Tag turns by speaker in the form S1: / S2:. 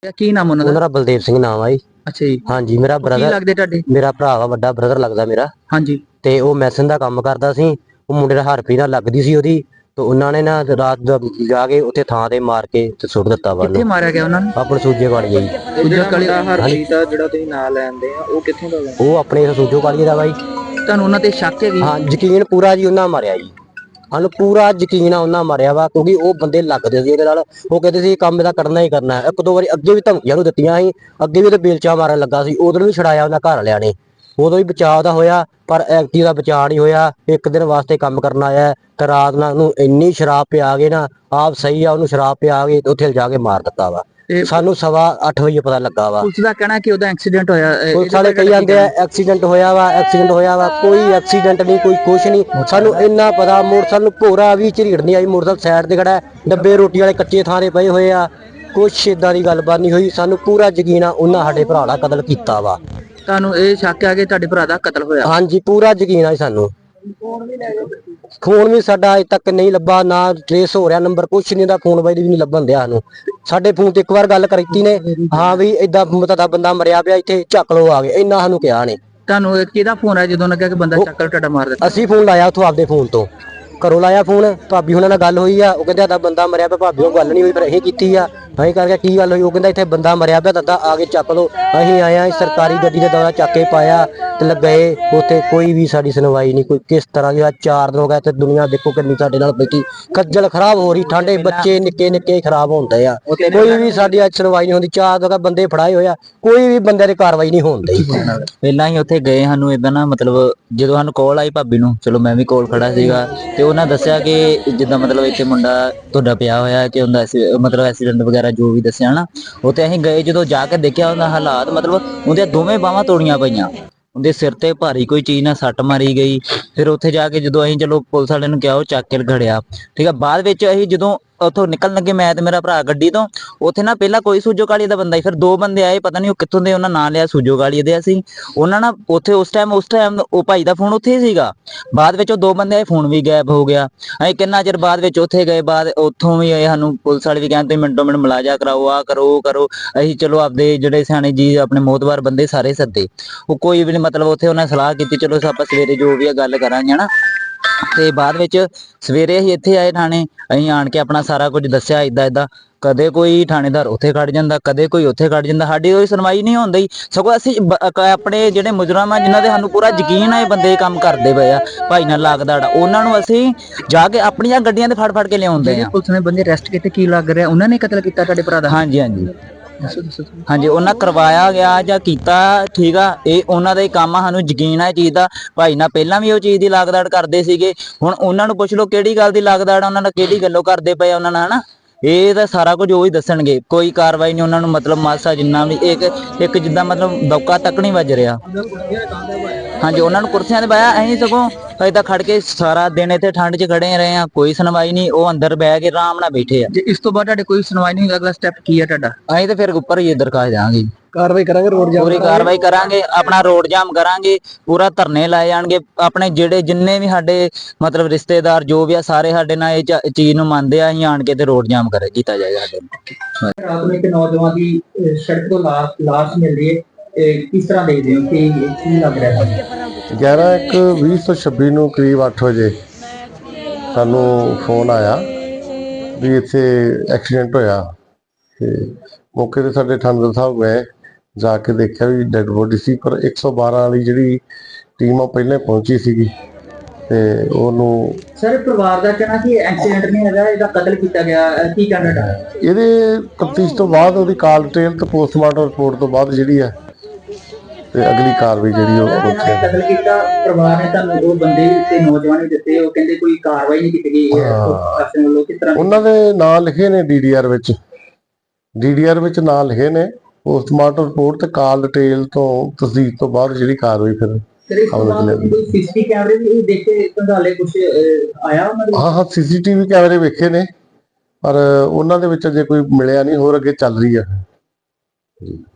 S1: ਕੀ ਨਾਮ ਉਹਨਾਂ ਦਾ?
S2: ਉਹਨਾਂ ਦਾ ਬਲਦੇਵ ਸਿੰਘ ਨਾਮ ਆ ਜੀ।
S1: ਅੱਛਾ ਜੀ।
S2: ਹਾਂਜੀ ਮੇਰਾ
S1: ਕੀ
S2: ਬ੍ਰਦਰ
S1: ਲੱਗਦੇ ਤੁਹਾਡੇ?
S2: ਮੇਰਾ ਭਰਾ ਵਾ, ਵੱਡਾ ਬ੍ਰਦਰ ਲੱਗਦਾ ਮੇਰਾ।
S1: ਹਾਂਜੀ।
S2: ਤੇ ਉਹ ਮੈਸਨ ਦਾ ਕੰਮ ਕਰਦਾ ਸੀ। ਉਹ ਮੁੰਡੇ ਦਾ ਹਰਪੀ ਨਾਲ ਲੱਗਦੀ ਸੀ ਉਹਦੀ, ਤੇ ਉਹਨਾਂ ਨੇ ਨਾ ਰਾਤ ਦਾ ਜਾ ਕੇ ਉੱਥੇ ਥਾਂ ਤੇ ਮਾਰ ਕੇ ਤੇ ਸੁੱਟ ਦਿੱਤਾ ਵਾ
S1: ਕਿੱਥੇ
S2: ਉਹਨੂੰ।
S1: ਮਾਰਿਆ ਗਿਆ ਉਹਨਾਂ ਨੂੰ?
S2: ਆਪਣੇ ਸੂਜੇ ਵਾਲੀ ਜੀ।
S1: ਦੂਜਾ ਕਾਲੀ
S3: ਹਰਪ੍ਰੀਤ ਦਾ ਜਿਹੜਾ ਤੁਸੀਂ ਨਾਂ ਲੈਂਦੇ ਆ ਉਹ ਕਿੱਥੋਂ ਦਾ ਵਾ?
S2: ਉਹ ਆਪਣੇ ਸੂਜੋ ਵਾਲੀ ਦਾ ਵਾ ਜੀ।
S1: ਤੁਹਾਨੂੰ ਉਹਨਾਂ ਤੇ ਸ਼ੱਕ ਹੈਗੀ?
S2: ਹਾਂ, ਯਕੀਨ ਪੂਰਾ ਜੀ, ਉਹਨਾਂ ਮਾਰਿਆ ਜੀ। ਸਾਨੂੰ ਪੂਰਾ ਯਕੀਨ ਆ ਉਹਨਾਂ ਮਾਰਿਆ ਵਾ, ਕਿਉਂਕਿ ਉਹ ਬੰਦੇ ਲੱਗਦੇ ਸੀ ਇਹਦੇ ਨਾਲ। ਉਹ ਕਹਿੰਦੇ ਸੀ ਕੰਮ ਇਹਦਾ ਕਰਨਾ ਹੀ ਕਰਨਾ ਹੈ। ਇੱਕ ਦੋ ਵਾਰੀ ਅੱਗੇ ਵੀ ਧਮਕੀਆਂ ਨੂੰ ਦਿੱਤੀਆਂ ਸੀ, ਅੱਗੇ ਵੀ ਉਹਦੇ ਬੇਲਚਾ ਮਾਰਨ ਲੱਗਾ ਸੀ, ਉਦੋਂ ਵੀ ਛੜਾਇਆ ਉਹਨਾਂ ਘਰ ਵਾਲਿਆਂ ਨੇ। ਉਦੋਂ ਵੀ ਬਚਾਅ ਦਾ ਹੋਇਆ, ਪਰ ਐਕਟੀ ਦਾ ਬਚਾਅ ਨਹੀਂ ਹੋਇਆ। ਇੱਕ ਦਿਨ ਵਾਸਤੇ ਕੰਮ ਕਰਨ ਆਇਆ ਤੇ ਰਾਤ ਨਾਲ ਉਹਨੂੰ ਇੰਨੀ ਸ਼ਰਾਬ ਪਿਆ ਗਏ ਨਾ, ਆਪ ਸਹੀ ਆ, ਉਹਨੂੰ ਸ਼ਰਾਬ ਪਿਆ ਗਈ ਤੇ ਉੱਥੇ ਜਾ ਕੇ ਮਾਰ ਦਿੱਤਾ ਵਾ। ਸਾਨੂੰ 8:15 ਵਜੇ ਪਤਾ ਲੱਗਾ ਵਾ।
S1: ਪੁਲਿਸ ਦਾ ਕਹਿਣਾ ਕਿ ਉਹਦਾ ਐਕਸੀਡੈਂਟ ਹੋਇਆ।
S2: ਪੁਲਿਸ ਵਾਲੇ ਕਹੀ ਜਾਂਦੇ ਆ ਐਕਸੀਡੈਂਟ ਹੋਇਆ ਵਾ, ਐਕਸੀਡੈਂਟ ਹੋਇਆ ਵਾ। ਕੋਈ ਐਕਸੀਡੈਂਟ ਨਹੀਂ, ਕੋਈ ਕੁਛ ਨਹੀਂ। ਸਾਨੂੰ ਇੰਨਾ ਪਤਾ, ਮੋਟਰਸਾਈਕਲ ਨੂੰ ਭੋਰਾ ਵੀ ਝਰੀੜ ਨਹੀਂ ਆਈ। ਮੋਟਰਸਾਈਕਲ ਸਾਈਡ ਤੇ ਖੜਾ, ਡੱਬੇ ਰੋਟੀ ਵਾਲੇ ਕੱਚੇ ਥਾਂ ਤੇ ਪਏ ਹੋਏ ਆ। ਕੁਛ ਏਦਾਂ ਦੀ ਗੱਲਬਾਤ ਨਹੀਂ ਹੋਈ। ਸਾਨੂੰ ਪੂਰਾ ਯਕੀਨ ਆ ਉਹਨਾਂ ਸਾਡੇ ਭਰਾ ਦਾ ਕਤਲ ਕੀਤਾ ਵਾ।
S1: ਤੁਹਾਨੂੰ ਇਹ ਸ਼ੱਕ ਆ ਕਿ ਤੁਹਾਡੇ ਭਰਾ ਦਾ ਕਤਲ ਹੋਇਆ?
S2: ਹਾਂਜੀ, ਪੂਰਾ ਯਕੀਨ ਆ ਸਾਨੂੰ। ਫੋਨ ਵੀ ਸਾਡਾ ਅਜੇ ਤੱਕ ਨਹੀਂ ਲੱਭਾ, ਨਾ ਟ੍ਰੇਸ ਹੋ ਰਿਹਾ ਨੰਬਰ, ਕੁਛ ਨਹੀਂ। ਦਾ ਫੋਨ ਬਾਈ ਵੀ ਨਹੀਂ ਲੱਭਣ ਦਿਆ ਸਾਨੂੰ। ਸਾਡੇ ਫੋਨ ਤੇ ਇੱਕ ਵਾਰ ਗੱਲ ਕੀਤੀ ਨੇ, ਹਾਂ ਵੀ ਏਦਾਂ ਤੁਹਾਡਾ ਬੰਦਾ ਮਰਿਆ ਪਿਆ, ਇੱਥੇ ਚੱਕ ਲੋ ਆ ਗਏ, ਇੰਨਾ ਸਾਨੂੰ ਕਿਹਾ ਨੇ।
S1: ਤੁਹਾਨੂੰ ਕਿਹਦਾ ਫੋਨ ਆਇਆ ਜਦੋਂ ਲੱਗਿਆ ਕਿ ਬੰਦਾ ਚੱਕਰ ਤੁਹਾਡਾ ਮਾਰ ਦਿੱਤਾ?
S2: ਅਸੀਂ ਫੋਨ ਲਾਇਆ ਉੱਥੋਂ ਆਪਦੇ ਫੋਨ ਤੋਂ, ਘਰੋਂ ਲਾਇਆ ਫੋਨ। ਭਾਬੀ ਹੁਣਾਂ ਨਾਲ ਗੱਲ ਹੋਈ ਆ, ਉਹ ਕਹਿੰਦੇ ਸਾਡਾ ਬੰਦਾ ਮਰਿਆ ਪਿਆ। ਭਾਬੀ ਉਹ ਗੱਲ ਨਹੀਂ ਹੋਈ, ਪਰ ਇਹ ਕੀਤੀ ਆ। ਅਸੀਂ ਕਰਕੇ ਕੀ ਗੱਲ ਹੋਈ? ਉਹ ਕਹਿੰਦਾ ਇੱਥੇ ਬੰਦਾ ਮਰਿਆ ਪਿਆ, ਦੱਦਾ ਆ ਕੇ ਚੱਕ ਲੋ। ਅਸੀਂ ਆਇਆ, ਸਰਕਾਰੀ ਗੱਡੀ ਦੇ ਦੌਰਾ ਚੱਕ ਕੇ ਪਾਇਆ ਤੇ ਗਏ ਉੱਥੇ। ਕੋਈ ਵੀ ਸਾਡੀ ਸੁਣਵਾਈ ਨਹੀਂ, ਕੋਈ ਕਿਸ ਤਰ੍ਹਾਂ ਦੀ। 4 ਦਿਨ ਹੋ ਗਏ ਤੇ ਦੁਨੀਆ ਦੇਖੋ ਕਿੰਨੀ ਸਾਡੇ ਨਾਲ ਬੈਠੀ, ਖੱਜਲ ਖਰਾਬ ਹੋ ਰਹੀ। ਠੰਡੇ ਬੱਚੇ ਨਿੱਕੇ ਨਿੱਕੇ ਖਰਾਬ ਹੁੰਦੇ ਆ, ਕੋਈ ਵੀ ਸਾਡੀ ਅੱਜ ਸੁਣਵਾਈ ਨਹੀਂ ਹੁੰਦੀ। 4 ਦਿਨ ਬੰਦੇ ਫੜਾਏ ਹੋਏ ਆ, ਕੋਈ ਵੀ ਬੰਦੇ ਦੀ ਕਾਰਵਾਈ ਨਹੀਂ ਹੁੰਦੀ।
S3: ਪਹਿਲਾਂ ਹੀ ਉੱਥੇ ਗਏ, ਸਾਨੂੰ ਏਦਾਂ ਨਾ ਮਤਲਬ ਜਦੋਂ ਸਾਨੂੰ ਕਾਲ ਆਈ ਭਾਬੀ ਨੂੰ, ਚਲੋ ਮੈਂ ਵੀ ਕੋਲ ਖੜਾ ਸੀਗਾ, ਤੇ ਉਹਨਾਂ ਦੱਸਿਆ ਕਿ ਜਿੱਦਾਂ ਮਤਲਬ ਇੱਥੇ ਮੁੰਡਾ ਤੁਹਾਡਾ ਪਿਆ ਹੋਇਆ ਕਿ ਉਹਦਾ ਮਤਲਬ ਐਕਸੀਡੈਂਟ ਵਗੈਰਾ ਜੋ ਵੀ ਦੱਸਿਆ ਨਾ। ਉੱਥੇ ਅਸੀਂ ਗਏ, ਜਦੋਂ ਜਾ ਕੇ ਦੇਖਿਆ ਉਹਦਾ ਹਾਲਾਤ, ਮਤਲਬ ਉਹਦੀਆਂ ਦੋਵੇਂ ਬਾਹਾਂ ਤੋੜੀਆਂ ਪਈਆਂ, ਉਹਦੇ ਸਿਰ ਤੇ ਭਾਰੀ ਕੋਈ ਚੀਜ਼ ਨਾਲ ਸੱਟ ਮਾਰੀ ਗਈ। ਫਿਰ ਉੱਥੇ ਜਾ ਕੇ ਜਦੋਂ ਅਸੀਂ ਚਲੋ ਪੁਲਿਸ ਵਾਲਿਆਂ ਨੂੰ ਕਿਹਾ, ਉਹ ਚੱਕ ਕੇ ਖੜਿਆ, ਠੀਕ ਆ। ਬਾਅਦ ਵਿੱਚ ਅਸੀਂ ਜਦੋਂ ਉੱਥੋਂ ਨਿਕਲਣ ਲੱਗੇ, ਮੈਂ ਤੇ ਮੇਰਾ ਭਰਾ ਗੱਡੀ ਤੋਂ, ਉੱਥੇ ਨਾ ਪਹਿਲਾਂ ਕੋਈ ਸੂਜੋ ਕਾਲੀ ਦਾ ਬੰਦਾ ਸੀ, ਫਿਰ 2 ਬੰਦੇ ਆਏ, ਪਤਾ ਨਹੀਂ ਉਹ ਕਿੱਥੋਂ ਦੇ, ਉਹਨਾਂ ਨਾਂ ਲਿਆ ਸੂਜੋ ਕਾਲੀ ਦੇ। ਅਸੀਂ ਉਹਨਾਂ ਨਾਲ ਉੱਥੇ ਉਸ ਟਾਈਮ ਉਹ ਭਾਈ ਦਾ ਫੋਨ ਉੱਥੇ ਹੀ ਸੀਗਾ। ਬਾਅਦ ਵਿੱਚ ਉਹ 2 ਬੰਦੇ ਆਏ, ਫੋਨ ਵੀ ਗਾਇਬ ਹੋ ਗਿਆ। ਅਸੀਂ ਕਿੰਨਾ ਚਿਰ ਬਾਅਦ ਵਿੱਚ ਉੱਥੇ ਗਏ, ਬਾਅਦ ਉੱਥੋਂ ਵੀ ਆਏ, ਸਾਨੂੰ ਪੁਲਿਸ ਵਾਲੇ ਵੀ ਕਹਿੰਦੇ ਮਿੰਟੋ ਮਿੰਟ ਮੁਲਾਜ਼ਾ ਕਰਾਓ, ਆ ਕਰੋ ਉਹ ਕਰੋ। ਅਸੀਂ ਚਲੋ ਆਪਦੇ ਜਿਹੜੇ ਸਿਆਣੇ ਜੀ ਆਪਣੇ ਮੋਹਤਬਾਰ ਬੰਦੇ ਸਾਰੇ ਸੱਦੇ, ਉਹ ਕੋਈ ਵੀ ਨਹੀਂ, ਮਤਲਬ ਉੱਥੇ ਉਹਨਾਂ ਸਲਾਹ ਕੀਤੀ, ਚਲੋ ਆਪਾਂ ਸਵੇਰੇ ਜੋ ਵੀ ਆ ਗੱਲ ਕਰਾਂਗੇ ਹਨਾ। ਤੇ ਬਾਅਦ ਵਿੱਚ ਸਵੇਰੇ ਅਸੀਂ ਇੱਥੇ ਆਏ ਥਾਣੇ, ਅਸੀਂ ਆਣ ਕੇ ਆਪਣਾ ਸਾਰਾ ਕੁਝ ਦੱਸਿਆ। ਏਦਾਂ ਕਦੇ ਕੋਈ ਥਾਣੇਦਾਰ ਉੱਥੇ ਖੜ ਜਾਂਦਾ, ਕਦੇ ਕੋਈ ਉੱਥੇ ਖੜ ਜਾਂਦਾ, ਸਾਡੀ ਕੋਈ ਸੁਣਵਾਈ ਨਹੀਂ ਹੁੰਦੀ। ਸਗੋਂ ਅਸੀਂ ਆਪਣੇ ਜਿਹੜੇ ਮੁਜਰਮ ਆ, ਜਿਨ੍ਹਾਂ ਦੇ ਸਾਨੂੰ ਪੂਰਾ ਯਕੀਨ ਆ ਇਹ ਬੰਦੇ ਕੰਮ ਕਰਦੇ ਪਏ ਆ, ਭਾਈ ਨਾਲ ਲੱਗਦਾ, ਉਹਨਾਂ ਨੂੰ ਅਸੀਂ ਜਾ ਕੇ ਆਪਣੀਆਂ ਗੱਡੀਆਂ ਤੇ ਫੜ ਕੇ ਲਿਆਉਂਦੇ ਆ।
S1: ਪੁਲਿਸ ਨੇ ਬੰਦੇ ਅਰੈਸਟ ਕੀਤੇ, ਕੀ ਲੱਗ ਰਿਹਾ ਉਹਨਾਂ ਨੇ ਕਤਲ ਕੀਤਾ ਤੁਹਾਡੇ ਭਰਾ ਦਾ?
S3: ਹਾਂਜੀ ਹਾਂਜੀ ਹਾਂਜੀ, ਉਹਨਾਂ ਕਰਵਾਇਆ ਗਿਆ ਜਾਂ ਕੀਤਾ, ਠੀਕ ਆ। ਇਹ ਉਹਨਾਂ ਦਾ ਹੀ ਕੰਮ ਆ, ਸਾਨੂੰ ਯਕੀਨ ਆ ਇਹ ਚੀਜ਼ ਦਾ। ਭਾਈ ਨਾਲ ਪਹਿਲਾਂ ਵੀ ਉਹ ਚੀਜ਼ ਦੀ ਲਾਗਦਾੜ ਕਰਦੇ ਸੀਗੇ। ਹੁਣ ਉਹਨਾਂ ਨੂੰ ਪੁੱਛ ਲਓ ਕਿਹੜੀ ਗੱਲ ਦੀ ਲਾਗਦਾੜ ਉਹਨਾਂ ਨਾਲ, ਕਿਹੜੀ ਗੱਲੋਂ ਕਰਦੇ ਪਏ ਉਹਨਾਂ ਨਾਲ ਹਨਾ। ਇਹ ਤਾਂ ਸਾਰਾ ਕੁਝ ਉਹ ਹੀ ਦੱਸਣਗੇ। ਕੋਈ ਕਾਰਵਾਈ ਨਹੀਂ ਉਹਨਾਂ ਨੂੰ, ਮਤਲਬ ਮਾਸਾ ਜਿੰਨਾ ਵੀ ਇੱਕ ਜਿੱਦਾਂ ਮਤਲਬ ਦੌਕਾ ਤੱਕ ਨਹੀਂ ਵੱਜ ਰਿਹਾ। ਹਾਂਜੀ, ਉਹਨਾਂ ਨੂੰ ਕੁਰਸੀਆਂ ਤੇ ਬਾਇਆ, ਅਸੀਂ ਸਗੋਂ ਅਜੇ ਤਾਂ ਖੜ ਕੇ ਸਾਰਾ ਦਿਨ ਇੱਥੇ ਠੰਡ 'ਚ ਖੜੇ ਰਹੇ ਆ, ਕੋਈ ਸੁਣਵਾਈ ਨਹੀਂ। ਉਹ ਅੰਦਰ ਬਹਿ ਕੇ ਆਰਾਮ ਨਾਲ ਬੈਠੇ ਆ।
S1: ਜੇ ਇਸ ਤੋਂ ਬਾਅਦ ਤੁਹਾਡੇ ਕੋਈ ਸੁਣਵਾਈ ਨਹੀਂ, ਅਗਲਾ ਸਟੈਪ ਕੀ ਆ ਤੁਹਾਡਾ?
S3: ਅਸੀਂ ਤਾਂ ਫਿਰ ਉੱਪਰ ਹੀ ਦਰਖਾਸਤ ਦੇਵਾਂਗੇ,
S2: ਕਾਰਵਾਈ ਕਰਾਂਗੇ, ਰੋਡ ਜਾਮ
S3: ਪੂਰੀ ਕਾਰਵਾਈ ਕਰਾਂਗੇ, ਆਪਣਾ ਰੋਡ ਜਾਮ ਕਰਾਂਗੇ, ਪੂਰਾ ਧਰਨੇ ਲਾਏ ਜਾਣਗੇ। ਆਪਣੇ ਜਿਹੜੇ ਜਿੰਨੇ ਵੀ ਸਾਡੇ ਮਤਲਬ ਰਿਸ਼ਤੇਦਾਰ ਜੋ ਵੀ ਆ, ਸਾਰੇ ਸਾਡੇ ਨਾਲ ਇਹ ਚੀਜ਼ ਨੂੰ ਮੰਨਦੇ ਆ। ਅਸੀਂ ਆਣ ਕੇ ਤੇ ਰੋਡ ਜਾਮ ਕੀਤਾ ਜਾਏਗਾ ਸਾਡੇ।
S1: ਰਾਤ ਨੂੰ ਇੱਕ ਨੌਜਵਾਨ ਦੀ ਸੜਕ ਤੋਂ ਲਾਸ਼ ਮਿਲ ਰਹੀ ਹੈ, ਕਿਸ ਤਰ੍ਹਾਂ ਦੇਖਦੇ ਹੋ ਕਿ ਕੀ ਲੱਗ ਰਿਹਾ ਹੈ?
S4: 11/1/2026 ਨੂੰ ਕਰੀਬ 8 ਵਜੇ ਸਾਨੂੰ ਫੋਨ ਆਇਆ ਵੀ ਇੱਥੇ ਐਕਸੀਡੈਂਟ ਹੋਇਆ। ਤੇ ਮੌਕੇ ਤੇ ਸਾਡੇ ਥਾਣੇਦਾਰ ਸਾਹਿਬ ਗਏ, ਜਾ ਕੇ ਦੇਖਿਆ ਵੀ ਡੈਡ ਬੋਡੀ ਸੀ, ਪਰ 112 ਵਾਲੀ ਜਿਹੜੀ ਟੀਮ ਆ ਪਹਿਲਾਂ ਪਹੁੰਚੀ ਸੀਗੀ ਤੇ ਉਹਨੂੰ।
S1: ਸਰ ਪਰਿਵਾਰ ਦਾ ਕਹਿਣਾ ਕਿ ਐਕਸੀਡੈਂਟ ਨਹੀਂ ਹੈਗਾ, ਇਹਦਾ ਕਤਲ ਕੀਤਾ ਗਿਆ, ਕੀ ਕਹਿਣਾ?
S4: ਇਹਦੇ ਤਫਤੀਸ਼ ਤੋਂ ਬਾਅਦ ਉਹਦੀ ਕਾਲ ਡਿਟੇਲ ਤੇ ਪੋਸਟਮਾਰਟਮ ਰਿਪੋਰਟ ਤੋਂ ਬਾਅਦ ਜਿਹੜੀ ਹੈ ਤੇ ਅਗਲੀ ਕਾਰਵਾਈ ਜਿਹੜੀ ਉਹ
S1: ਕਤਲ ਕੀਤਾ। ਪਰਿਵਾਰ ਨੇ ਤੁਹਾਨੂੰ ਉਹ ਬੰਦੇ ਤੇ ਨੌਜਵਾਨ ਦਿੱਤੇ, ਉਹ ਕਹਿੰਦੇ ਕੋਈ ਕਾਰਵਾਈ ਨਹੀਂ ਕੀਤੀ ਗਈ ਪ੍ਰਸ਼ਾਸਨ ਵੱਲੋਂ, ਕਿਸ ਤਰ੍ਹਾਂ?
S4: ਉਹਨਾਂ ਦੇ ਨਾਂ ਲਿਖੇ ਨੇ ਡੀਡੀਆਰ ਵਿੱਚ ਨਾਂ ਲਿਖੇ ਨੇ। ਪੋਸਟਮਾਰਟਮ ਰਿਪੋਰਟ ਤੇ ਕਾਲ ਡਿਟੇਲ ਤੋਂ ਤਸਦੀਕ ਤੋਂ ਬਾਅਦ ਜਿਹੜੀ ਕਾਰਵਾਈ ਫਿਰ
S1: ਸੀਸੀਟੀਵੀ ਕੈਮਰੇ ਵੀ ਦੇਖੇ ਕੰਧਾਲੇ ਕੁਝ ਆਇਆ ਉਹਨਾਂ ਦੇ?
S4: ਹਾਂ ਸੀਸੀਟੀਵੀ ਕੈਮਰੇ ਵੇਖੇ ਨੇ, ਪਰ ਉਹਨਾਂ ਦੇ ਵਿੱਚ ਅਜੇ ਕੋਈ ਮਿਲਿਆ ਨਹੀਂ, ਹੋਰ ਅੱਗੇ ਚੱਲ ਰਹੀ ਹੈ ਜੀ।